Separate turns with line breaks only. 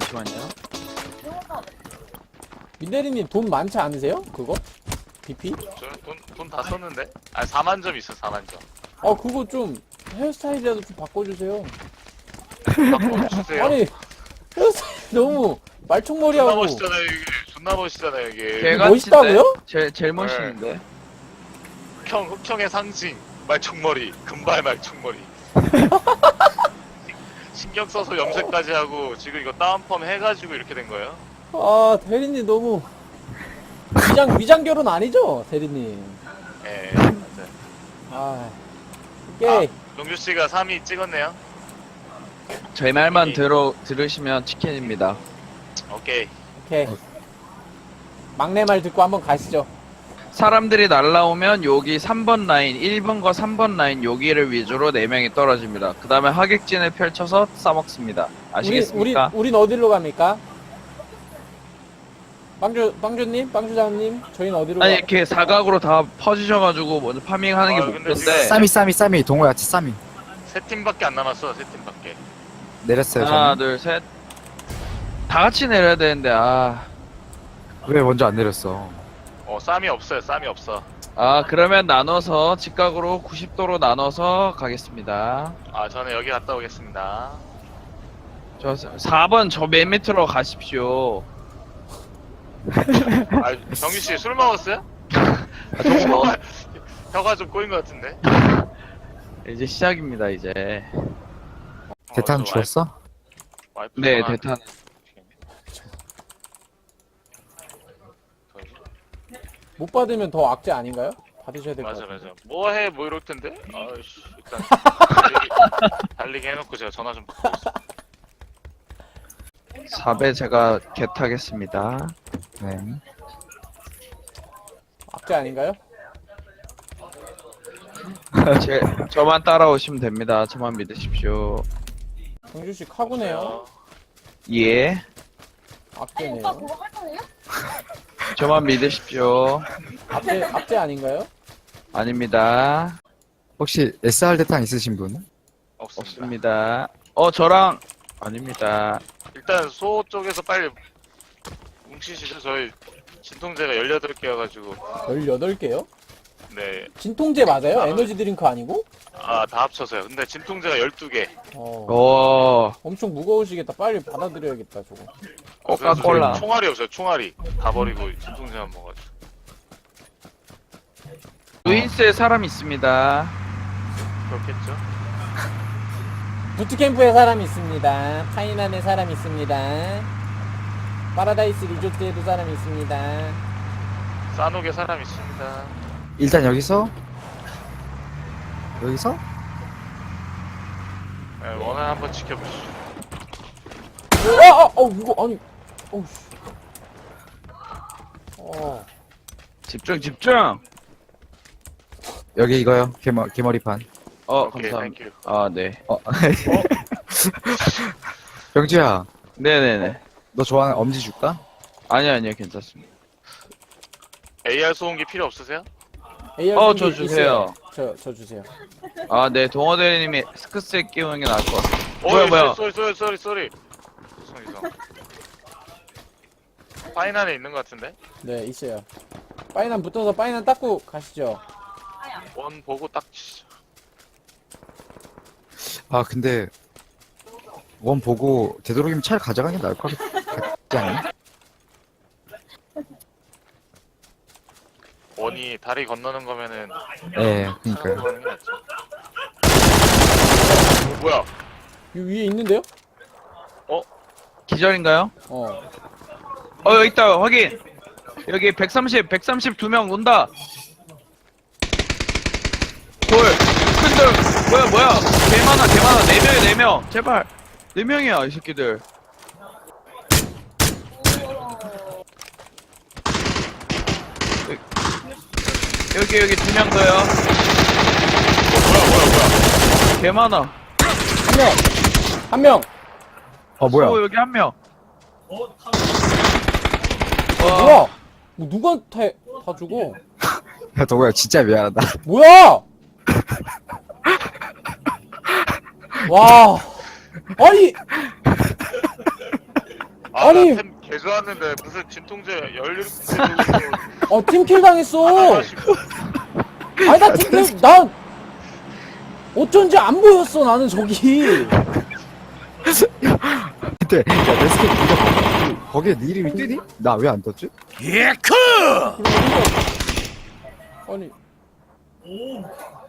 잠시만요.
민대리님 돈 많지 않으세요? 그거? BP?
돈 다 썼는데? 아 4만 점 있어 4만 점.
아 그거 좀 헤어스타일이라도 좀 바꿔주세요.
바꿔주세요.
아니 헤어스타일 너무
존나
말총머리하고
멋있잖아요 이게. 존나 멋있잖아요 이게.
걔가
멋있다고요?
제일 멋있는데.
흑형의 상징 말총머리 금발 말총머리. 신경 써서 염색까지 하고 지금 이거 다운펌 해가지고 이렇게 된 거예요?
아 대리님 너무 위장 결혼 아니죠 대리님?
예 맞아요.
아 오케이.
용주 씨가 3위 찍었네요.
제 말만 들으시면 치킨입니다.
오케이.
오케이. 막내 말 듣고 한번 가시죠.
사람들이 날라오면 여기 3번 라인, 1번과 3번 라인 여기를 위주로 4명이 떨어집니다. 그 다음에 하객진을 펼쳐서 싸먹습니다. 아시겠습니까?
우린 어디로 갑니까? 빵주님, 저희는 어디로
아니
가?
이렇게 사각으로 다 퍼지셔가지고 먼저 파밍하는 게
아, 근데
목표인데
쌈이 동호야 쌈이
세 팀밖에 안 남았어. 세 팀밖에.
내렸어요.
하나
저는.
둘셋 다 같이 내려야 되는데
왜 먼저 안 내렸어?
쌈이 없어요. 쌈이 없어.
그러면 나눠서 직각으로 90도로 나눠서 가겠습니다.
저는 여기 갔다 오겠습니다.
저 4번 저 맨 밑으로 가십시오.
정규 씨 술 먹었어요? 혀가 좀 꼬인 것 같은데.
이제 시작입니다 이제.
대탄
저
죽었어?
와이프
네
전화-
대탄.
못 받으면 더 악재 아닌가요? 받으셔야 될 것
맞아
같아요.
맞아. 뭐해 뭐 이럴 텐데. 아이씨 일단 달리기 해놓고 제가 전화 좀 받고 있어.
4배 제가 겟하겠습니다.
네.
악재 아닌가요?
저만 따라오시면 됩니다. 저만 믿으십시오.
정주 씨 카구네요.
예.
악재네요.
저만 믿으십시오.
악재 아닌가요?
아닙니다.
혹시 SR 대탄 있으신 분?
없습니다.
없습니다. 저랑 아닙니다.
일단 소 쪽에서 빨리 뭉치시죠. 저희 진통제가 18개여가지고
18개요?
네.
진통제 맞아요? 에너지 드링크 아니고?
다 합쳐서요. 근데 진통제가 12개.
엄청 무거우시겠다. 빨리 받아들여야겠다, 저거.
코카콜라.
총알이 없어요. 총알이 다 버리고 진통제만 먹어가지고.
루인스에 사람 있습니다.
그렇겠죠.
부트캠프에 사람 있습니다. 파이난에 사람 있습니다. 파라다이스 리조트에도 사람 있습니다.
싸놓게 사람 있습니다.
일단 여기서
네, 원을 한번 지켜보시죠.
이거 아니, 씨.
집중.
여기 이거요. 개머리판.
오케이,
감사합니다.
땡큐.
네.
병주야,
네네네.
너 좋아하는 엄지 줄까?
아니요, 괜찮습니다.
AR 소음기 필요 없으세요?
AR
저
소음기
주세요.
있어요. 저 주세요.
네, 동호 대리님이 스크스에 끼우는 게 나을 것 같아요. 뭐야.
쏘리. 이상. 파인 안에 있는 것 같은데?
네, 있어요. 파이난 붙어서 파이난 닦고 가시죠.
원 보고 딱 치죠.
근데 원 보고 되도록이면 차를 가져가는 게 나을 것 같지 않니?
원이 다리 건너는 거면은
네, 그니까요.
하는 게 낫죠. 뭐야?
이 위에 있는데요?
기절인가요? 여기 있다. 확인. 여기 132명 온다. 큰들 뭐야. 개 많아. 4명. 제발. 4명이야, 이 새끼들. 여기 2명 더요.
뭐야?
개 많아.
한 명!
뭐야?
여기 1명.
뭐야? 뭐 누구한테 다 주고?
야, 동호야, 진짜 미안하다.
뭐야! 와! 아니! 아니.
템 개좋았는데 무슨 진통제 17개
팀킬 당했어.
마시고.
아니, 나 팀킬, 나, 어쩐지 안 보였어, 나는 저기.
근데 야내 스킨 네가 거기에 네 이름이 뜨니? 나 왜 안 떴지?
아니.